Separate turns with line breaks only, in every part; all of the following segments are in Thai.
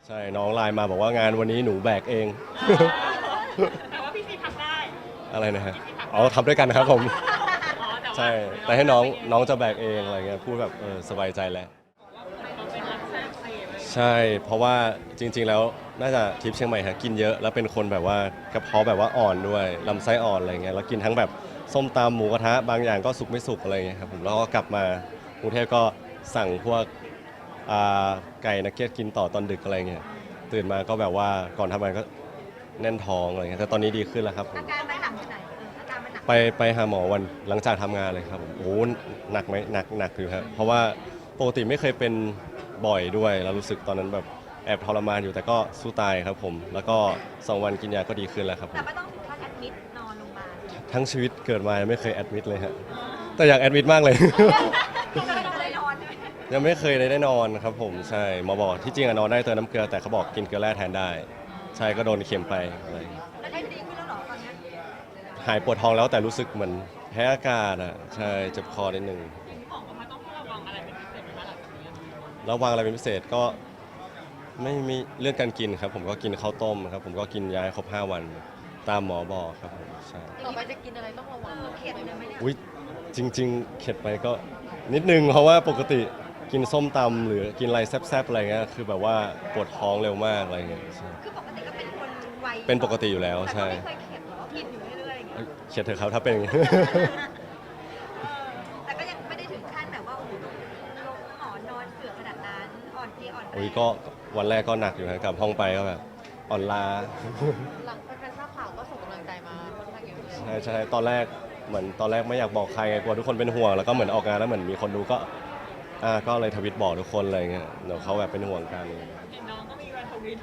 ใช่น้องไลน์มาบอกว่างานวันนี้หนูแบกเอง
แต่ว่าพี่ซีทำได้
อะไรนะฮะอ๋อทำด้วยกันนะครับผม
อ๋อแต่ว่า
ใช่แต่ให้น้องจะแบกเองอะไรเงี้ยพูดแบบสบายใจแล้ว
เราเป็นรักแท้เองเลย
ใช่เพราะว่าจริงๆแล้วน่าจะทริปเชียงใหม่ฮะกินเยอะแล้วเป็นคนแบบว่ากระเพาะแบบว่าอ่อนด้วยลำไส้อ่อนอะไรเงี้ยแล้วกินทั้งแบบส้มตำหมูกระทะบางอย่างก็สุกไม่สุกอะไรเงี้ยครับผมแล้วก็กลับมากรุงเทพก็สั่งพวกอ่าไก่นักเก็ตกินต่อตอนดึกอะไรเงี้ยตื่นมาก็แบบว่าก่อนทำงานก็แน่นท้องอะไรเงี้ยแต่ตอนนี้ดีขึ้นแล้วครับผม
อาการมันหนักที่ไหนอาการมันหนัก
ไปหาหมอวันหลังจากทำงานเลยครับผมโอ้โหหนักไหมหนักอยู่ครับเพราะว่าปกติไม่เคยเป็นบ่อยด้วยแล้วรู้สึกตอนนั้นแบบแอบทรมานอยู่แต่ก็สู้ตายครับผมแล้วก็2 วันกินยาก็ดีขึ้นแล้วครับผ
แต่
ม
ไม่ต้องถึงขั้นแอดมิดนอนโรงพยาบาล
ทั้งชีวิตเกิดมายังไม่เคยแอดมิดเลยฮะแต่อยากแอดมิดมากเลย
ก็เลยนอนใช่ไหม
ยังไม่เคยได้นอนครับผมใช่หมอบอกที่จริงอะนอนได้เติมน้ำเกลือแต่เขาบอกกินเกลือแร่แทนได้ใช่ก็โดนเข็มไปอะไรอย่างเงี้ย
แล้วได้ดีขึ้นแล้วเหรอตอนเนี้ย
หายปวดท้องแล้วแต่รู้สึกเหมือนแพ้อากาศอ่ะใช่เจ็บคอนิดนึง
บอกว่ามันต้องระวังอะไรเป็นพิเศษไหมคะหลังจากนี้
ระวังอะไรเป็นพิเศษก็ไม่มีเรื่องการกินครับผมก็กินข้าวต้มครับผมก็กินยาให้ครบ5 วันตามหมอบอกครับผมใช่
ต่อไปจะกินอะไรต้องระวัง
เข็ดเลยไหมเนี่ย
อุ้ยจริงๆเข็ดไปก็นิดนึงเพราะว่าปกติกินส้มตำหรือกินอะไรแซ่บๆอะไรเงี้ยคือแบบว่าปวดท้องเร็วมากอะไรเงี้ยใช่
คือปกติก็เป็นคนไว
เป็นปกติอยู่แล้ว
แต่ก็
ใช่
ไม่เคยเข็ดหรอกินอยู่เรื่อยๆอย่างเงี้ย
เอ้ยเข็ดเถอะครับถ้าเป็นอย่างนี้
แต่ก็ยังไม่ได้ถึงขั้นแบบว่าโอ้โหลงหมอนนอนเสือขนาดนั้นอ่อนเพลียอ่อนแร
อุ้ย
ง
ก็วันแรกก็หนักอยู่นะกลับห้องไปก็แบบอ่อนล้า
หลังแฟนๆทราบข่าวก็ส่งกำลังใจมาค่อนข้างเยอะเลย
ใช่ตอนแรกเหมือนตอนแรกไม่อยากบอกใครไงกลัวทุกคนเป็นห่วงแล้วก็เหมือนออกงานแล้วเหมือนมีคนดูก็ก็เลยทวิตบอกทุกคนอะไรเงี้ยเดี๋ยวเขาแบบเป็นห่วงกัน
เห็นน้องก็มีวันทวิต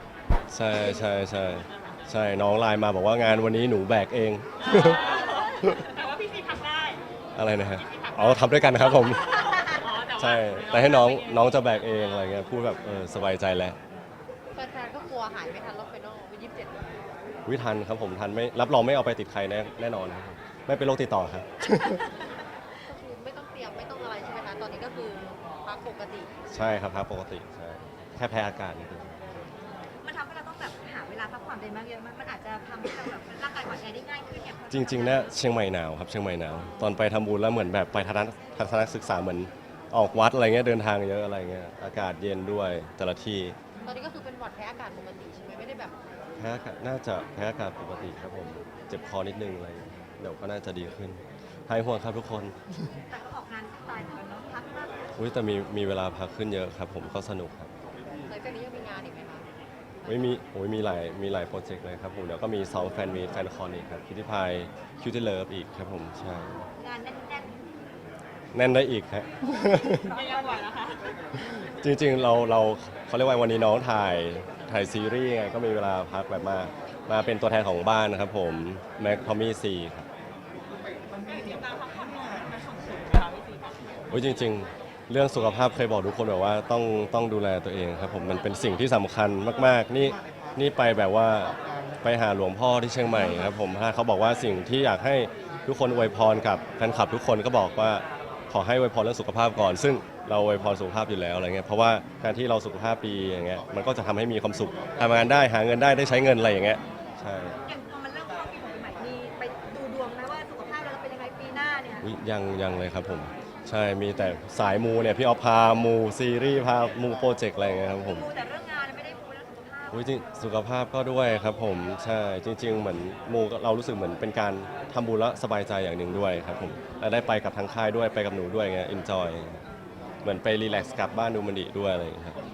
ใช่น้องไลน์มาบอกว่างานวันนี้หนูแบกเอง
แต่ว่าพี่ซีทำได้
อะไรนะฮะอ๋อทำด้วยกันนะครับผม
อ๋อแต่ว่า
ใช่แต่ให้น้องจะแบกเองอะไรเงี้ยพูดแบบสบายใจแล้ว
แฟนๆก็กลัวหายไม่ทันรอบไฟนอลวัน27ก็
วิทันครับผมทันไม่รับรองไม่เอาไปติดใครแน่นอนครับผมไม่เป็นโรคติดต่อครับ
คือไม่ต้องเตรียมไม่ต้องอะไรใช่ไหมคะ ตอนนี้ก็คือพักปกติ
ใช่ครับปกติใช่แค่แพ้อากาศนิดนึง
มันทำให้เราต้องแบบหาเวลาพักผ่อนได้มากเยอะมากมันอาจจะทำให้เราแบบร่างกายอ่อนแอได้ง่ายขึ้นเนี่ย
จริงๆเนี่ยเชียงใหม่หนาวครับเชียงใหม่หนาวตอนไปทำบุญแล้วเหมือนแบบไปทัศนศึกษาเหมือนออกวัดอะไรเงี้ยเดินทางเยอะอะไรเงี้ยอากาศเย็นด้วยแต่ละที่
ตอนนี้ก็คือเป็นหวัดแพ้อากาศปกติใช่ไหมไม่ได้แบบ
แพ้อากาศน่าจะแพ้อากาศปกติครับผมเจ็บคอนิดนึงอะไรเงี้ยเดี๋ยวก็น่าจะดีขึ้นหายห่วงครับทุกคน
แต่ก็ออกงานสไตล์เหมือนกันเนาะพักมาก
อุ้ยแต่มีเวลาพักขึ้นเยอะครับผมก็สนุกครับ
หลังจากนี้ยังมีงานอีกไหมคะ
มีหลายโปรเจกต์เลยครับผมเดี๋ยวก็มีซ้อมแฟนมีตแฟนคอนอีกครับคิวที่พายคิวที่เลิฟอีกครับผมใช่
งานแน่น
แน่นได้อีกฮะ
ไม่ยังไหวนะคะ
จริงๆเราเขาเรียกว่าวันนี้น้องถ่ายซีรีส์ไงก็มีเวลาพักแบบมาเป็นตัวแทนของบ้านนะครับผมแม็กทอมมี่ซีครับ
มีตามพักผ่อนนอนมาส่งผลนะคะพี่ซี
โอ้ยจริงๆ เรื่องสุขภาพเคยบอกทุกคนแบบว่าต้องดูแลตัวเองครับผมมันเป็นสิ่งที่สำคัญมากๆนี่ไปแบบว่าไปหาหลวงพ่อที่เชียงใหม่ครับผมถ้าเขาบอกว่าสิ่งที่อยากให้ทุกคนอวยพรกับแฟนคลับทุกคนก็บอกว่าขอให้อวยพรเรื่องสุขภาพก่อน ซึ่งเราอวยพรสุขภาพอยู่แล้วอะไรเงี้ยเพราะว่าการที่เราสุขภาพดีอย่างเงี้ยมันก็จะทำให้มีความสุขทำงานได้หาเงินได้ใช้เงินอะไรอย่างเงี้ยใช่
ๆอย่างพอมันเริ่มเข้าปีใหม่มีไปดูดวงไหมว่าสุขภาพเราจะเป็นยังไงปีหน้าเนี่ย
อุ๊ยยังเลยครับผมใช่มีแต่สายมูเนี่ยพี่ออฟพามูซีรีส์พามูโปรเจกต์อะไรอย่างเงี้ยครับผม
ดูแต่เรื่องงานไม่ได้ดูเรื่องสุขภาพ
อุ๊ยจริงสุขภาพก็ด้วยครับผมใช่จริง ๆ เหมือนมูเรารู้สึกเหมือนเป็นการทำบุญแล้วสบายใจอย่างหนึ่งด้วยครับผมและได้ไปกับทางค่ายด้วยไปกับหนูด้วยไงเอนจอยเหมือนไปรีแลกซ์กลับบ้านดูมันดีด้วยอะไรอย่างเงี้ยครับ